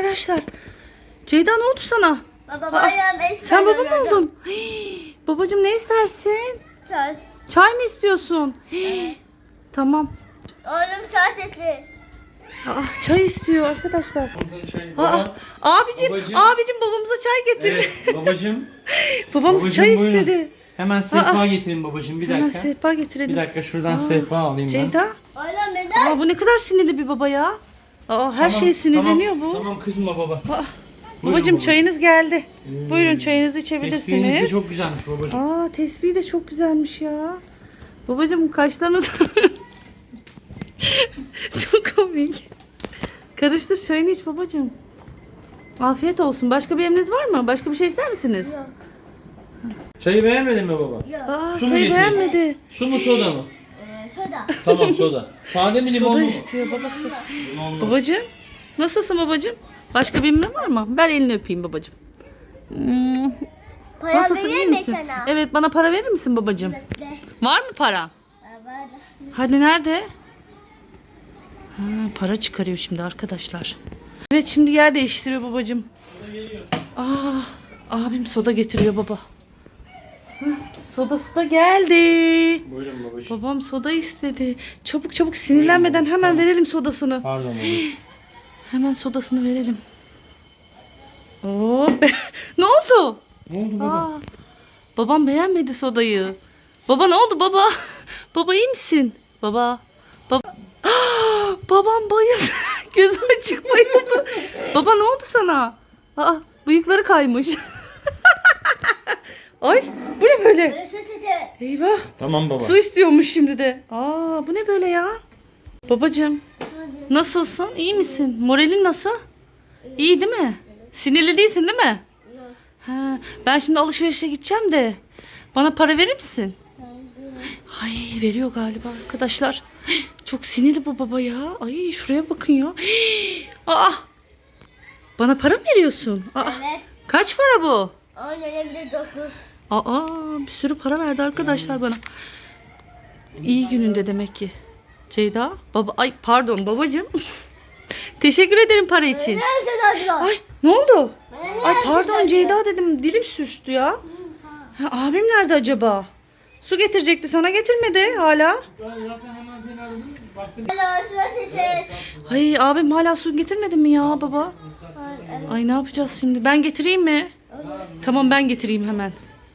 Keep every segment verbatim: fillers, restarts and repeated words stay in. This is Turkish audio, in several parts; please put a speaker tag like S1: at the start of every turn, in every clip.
S1: arkadaşlar. Ceyda ne oldu sana?
S2: Baba bayram eşya
S1: Sen baba mı
S2: yolladım.
S1: oldun? Hii, babacığım ne istersin?
S2: Çay.
S1: Çay mı istiyorsun? Hii, tamam.
S2: Oğlum çay etli.
S1: Aa, çay istiyor arkadaşlar.
S3: Çay,
S1: Aa,
S3: baba.
S1: abicim,
S3: Babacığım.
S1: abicim babamıza çay getir.
S3: Evet babacığım.
S1: Babamız
S3: Babacığım,
S1: çay
S3: buyurun.
S1: istedi.
S3: Hemen sehpa
S1: Aa.
S3: getirin babacığım bir
S1: Hemen
S3: dakika.
S1: sehpa getirelim.
S3: Bir dakika şuradan
S1: Aa,
S3: sehpa alayım ben.
S1: Ceyda.
S2: Oğlum neden?
S1: Aa, bu ne kadar sinirli bir baba ya. Aa, her
S3: Tamam,
S1: şeye sinirleniyor
S3: tamam,
S1: bu.
S3: Tamam kızma baba.
S1: Aa,
S3: Buyurun
S1: babacığım
S3: baba.
S1: çayınız geldi.
S3: Hmm.
S1: Buyurun çayınızı
S3: Tesbihiniz de
S1: içebilirsiniz.
S3: çok güzelmiş babacığım.
S1: Aa, tesbih de çok güzelmiş ya. Babacığım kaşlarınız çok komik. Karıştır çayını iç babacığım. Afiyet olsun. Başka bir emriniz var mı? Başka bir şey ister misiniz?
S2: Yok.
S3: Çayı beğenmedin mi baba?
S2: Yok.
S1: Aa,
S3: Su mu
S1: çayı
S3: getireyim?
S1: beğenmedi.
S3: Su mu soda mı?
S2: Ee, soda.
S3: Tamam soda. Sade mi limonlu
S1: Soda
S3: mu?
S1: istiyor babası.
S3: Limonlu.
S1: Babacığım nasılsın babacığım? Başka bir emrin var mı? Ver elini öpeyim babacığım. Hmm,
S2: Para
S1: Nasılsın iyi
S2: vereyim mi
S1: misin?
S2: sana?
S1: Evet bana para verir misin babacığım?
S2: Bekle.
S1: Var mı para?
S2: Aa, var da.
S1: Hadi nerede? Ha, para çıkarıyor şimdi arkadaşlar. Evet şimdi yer değiştiriyor babacığım. Aa, abim soda getiriyor baba. Hah, sodası da geldi.
S3: Buyurun babacığım.
S1: Babam soda istedi. Çabuk çabuk sinirlenmeden hemen verelim sodasını.
S3: Pardon babacığım.
S1: Hemen sodasını verelim. Oo, ne oldu?
S3: Ne oldu baba?
S1: Aa, babam beğenmedi sodayı. Baba ne oldu baba? Baba iyi misin? Baba. Baba. Ah, babam bayıldı. Gözü açık bayıldı. Baba ne oldu sana? Aa, bıyıkları kaymış. Ay bu ne böyle?
S2: Böyle süt eti.
S1: Eyvah.
S3: Tamam baba.
S1: Su istiyormuş şimdi de. Aa bu ne böyle ya? Babacığım
S2: Hadi.
S1: nasılsın? İyi misin? Moralin nasıl? İyi değil mi? Sinirli değilsin değil mi?
S2: Yok.
S1: Ha, ben şimdi alışverişe gideceğim de bana para verir misin?
S2: Tamam, buyurun.
S1: Ay veriyor galiba arkadaşlar. Çok sinirli bu baba ya. Ay şuraya bakın ya. Aa, bana para mı veriyorsun? Aa,
S2: Evet.
S1: kaç para bu?
S2: On öyle bir de dokuz.
S1: Aa, bir sürü para verdi arkadaşlar bana. İyi gününde demek ki. Ceyda, baba, ay pardon babacığım. Teşekkür ederim para için.
S2: Nerede dadlı?
S1: Ay ne oldu?
S2: Bana niye
S1: Ay
S2: herkes
S1: pardon
S2: dadlı?
S1: Ceyda dedim dilim sürçtü ya. Ha, abim nerede acaba? Su getirecekti sana getirmedi hala.
S3: Ben zaten hemen seni aradım. Baktım.
S2: Hello, süt eti.
S1: Ay abim hala su getirmedi mi ya baba?
S2: Ay, evet.
S1: Ay ne yapacağız şimdi? Ben getireyim mi? Tamam ben getireyim hemen.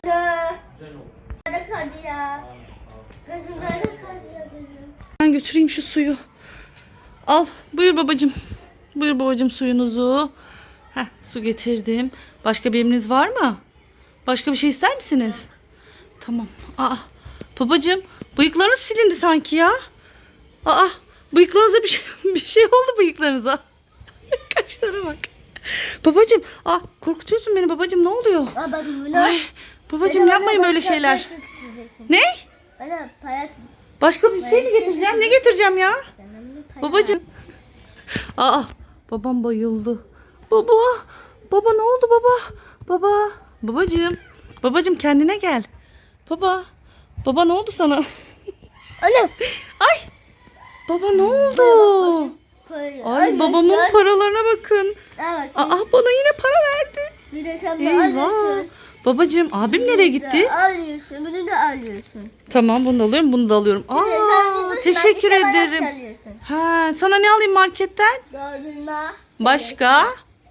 S2: Nerede kaldı ya? Gözüm nerede kaldı ya gözüm?
S1: Ben götüreyim şu suyu. Al buyur babacığım. Buyur babacığım suyunuzu. Heh, su getirdim. Başka bir emriniz var mı? Başka bir şey ister misiniz? Tamam. Aa, babacığım bıyıklarınız silindi sanki ya. Aa, bıyıklarınıza bir şey, bir şey oldu bıyıklarınıza. Kaşlara bak. Babacığım, aa, korkutuyorsun beni babacığım ne oluyor?
S2: Aa bak bunu.
S1: Ay, babacığım yapmayın böyle şeyler. Ne?
S2: Bana para
S1: Başka bir şey mi getireceğim? Ne getireceğim ya? Babacığım. Aa, babam bayıldı. Baba, baba ne oldu baba? Baba, babacığım. Babacığım kendine gel. Baba, baba ne oldu sana?
S2: Anne.
S1: Ay, baba ne oldu? Ay babamın paralarına bakın.
S2: Evet.
S1: Aa, bana yine para verdi.
S2: Bir de sen de
S1: Eyvah.
S2: alıyorsun.
S1: Babacığım, abim nereye gitti?
S2: Alıyorsun. Bunu da alıyorsun.
S1: Tamam, bunu da alıyorum, bunu da alıyorum.
S2: Bir de sen
S1: Aa,
S2: bunu
S1: teşekkür
S2: markete bana
S1: ederim.
S2: çalıyorsun.
S1: Ha, sana ne alayım marketten?
S2: Dondurma.
S1: Başka?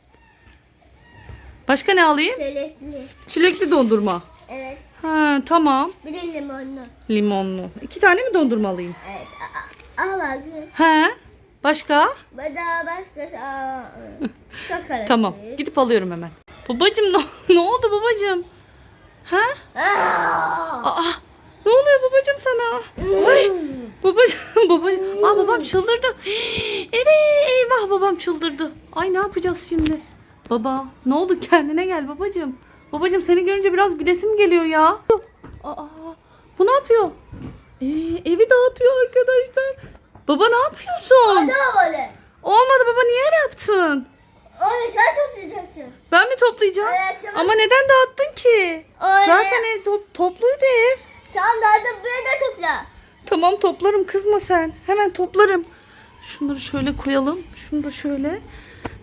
S1: Başka ne alayım?
S2: Çilekli.
S1: Çilekli dondurma.
S2: Evet.
S1: Ha, tamam.
S2: Bir de limonlu.
S1: Limonlu. İki tane mi dondurma alayım?
S2: Evet. Al bakayım.
S1: Ha? Başka?
S2: Bana başkası. Aa, çok karışık.
S1: Tamam. Gidip alıyorum hemen. Babacığım ne, ne oldu babacığım? Ha?
S2: Aa!
S1: Aa, ne oluyor babacığım sana? Ay, babacığım, babacığım. Aa, babam çıldırdı. Evet, eyvah babam çıldırdı. Ay ne yapacağız şimdi? Baba, ne oldu kendine gel babacığım. Babacığım seni görünce biraz gülesim geliyor ya. Aa, bu ne yapıyor? Ee, evi dağıtıyor arkadaşlar. Baba ne yapıyorsun?
S2: Hadi böyle.
S1: Olmadı baba niye öyle yaptın?
S2: Onu sen toplayacaksın.
S1: Ben mi toplayacağım?
S2: Evet, tamam.
S1: Ama neden dağıttın ki?
S2: Öyle.
S1: Zaten ev to- topluydu ev.
S2: Tamam daha da buraya da topla.
S1: Tamam toplarım kızma sen. Hemen toplarım. Şunları şöyle koyalım. Şunu da şöyle.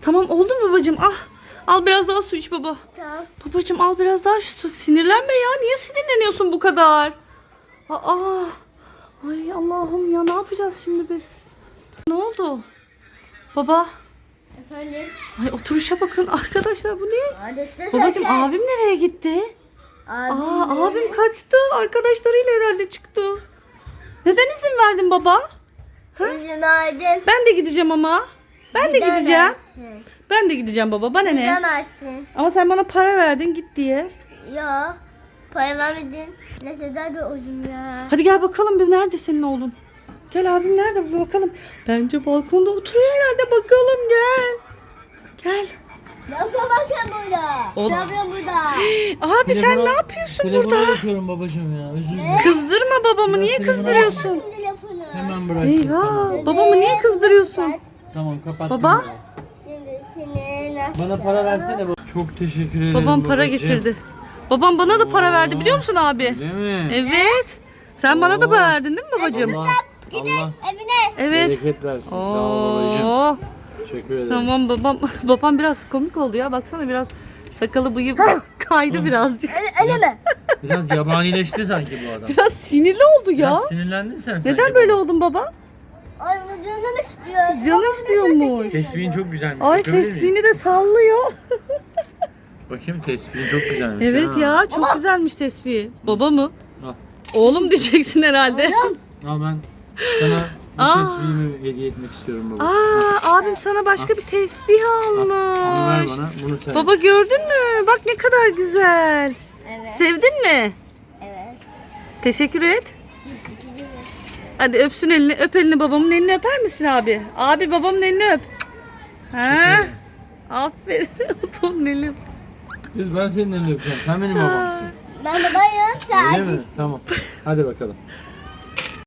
S1: Tamam oldu mu babacığım? Al. Al biraz daha su iç baba.
S2: Tamam.
S1: Babacığım al biraz daha şu su. Sinirlenme ya. Niye sinirleniyorsun bu kadar? Aa. Ay Allah'ım ya ne yapacağız şimdi biz? Ne oldu? Baba.
S2: Efendim?
S1: Ay oturuşa bakın arkadaşlar bu ne?
S2: Hadi işte
S1: Babacığım
S2: söyle.
S1: abim nereye gitti?
S2: Abim
S1: Aa
S2: mi?
S1: abim kaçtı. Arkadaşlarıyla herhalde çıktı. Neden izin verdin baba?
S2: İzin verdim.
S1: Ben de gideceğim ama. Ben de gideceğim.
S2: Gidemezsin.
S1: Ben de gideceğim baba. Bana ne?
S2: Gidemezsin.
S1: Ama sen bana para verdin git diye.
S2: Ya. Para vermedin. Ne kadar da oğlum ya.
S1: Hadi gel bakalım bir nerede senin oğlun? Gel abim nerede bir bakalım. Bence balkonda oturuyor herhalde bakalım gel. Gel.
S2: Ne yapıyorsun bakın burada?
S1: Oğlum.
S2: Ne yapıyorsun burada?
S1: Abi sen
S3: Telefona-
S1: ne yapıyorsun
S3: telefona
S1: burada?
S3: bakıyorum babacığım ya. Özür dilerim.
S1: Kızdırma babamı niye
S3: telefona
S1: kızdırıyorsun?
S2: Bakın telefonu.
S3: Hemen bırak.
S1: Eyvah babamı niye kızdırıyorsun?
S3: Tamam kapattım.
S1: Baba?
S3: ya.
S2: Şimdi seni
S3: Bana para versene baba. Çok teşekkür ederim
S1: Babam para
S3: babacığım.
S1: getirdi. Babam bana da para verdi biliyor musun abi?
S3: Değil mi?
S1: Evet. Sen bana da
S3: Oo.
S1: para verdin değil mi babacığım?
S3: Allah, Allah
S2: evine.
S1: Evet.
S3: bereket versin. Sağ ol babacığım.
S1: Oo.
S3: Teşekkür ederim.
S1: Tamam babam. Babam biraz komik oldu ya. Baksana biraz sakalı bıyığı kaydı birazcık.
S2: Öyle mi?
S3: Biraz yabanileşti sanki bu adam.
S1: Biraz sinirli oldu ya.
S3: Biraz sinirlendin sen sanki.
S1: Neden böyle oldun baba?
S2: Ay bu canım istiyor.
S1: Canı istiyormuş.
S3: Tesbihin çok güzelmiş.
S1: Ay
S3: Bakabilir miyim?
S1: tesbihini de sallıyor.
S3: Bakayım tesbihin çok güzelmiş.
S1: Evet
S3: ha.
S1: ya çok güzelmiş tesbihi. Baba mı?
S3: Al.
S1: Oğlum diyeceksin herhalde.
S3: Al ben sana bu
S1: Aa.
S3: tesbihimi hediye etmek istiyorum baba.
S1: Aa abim sana başka bir tesbih
S3: Al, Onu ver
S1: almış.
S3: bana. Bunu sen.
S1: Baba gördün mü? Bak ne kadar güzel.
S2: Evet.
S1: Sevdin mi?
S2: Evet.
S1: Teşekkür et. Hadi öpsün elini. Öp elini babamın elini öper misin abi? Abi babamın elini öp. Ha?
S3: ederim.
S1: Aferin. Otonun elini öp.
S3: Kız ben senin elini öpeceğim. Sen benim babamsın.
S2: Ben babayım. Sen
S3: Öyle mi? Tamam. Hadi bakalım.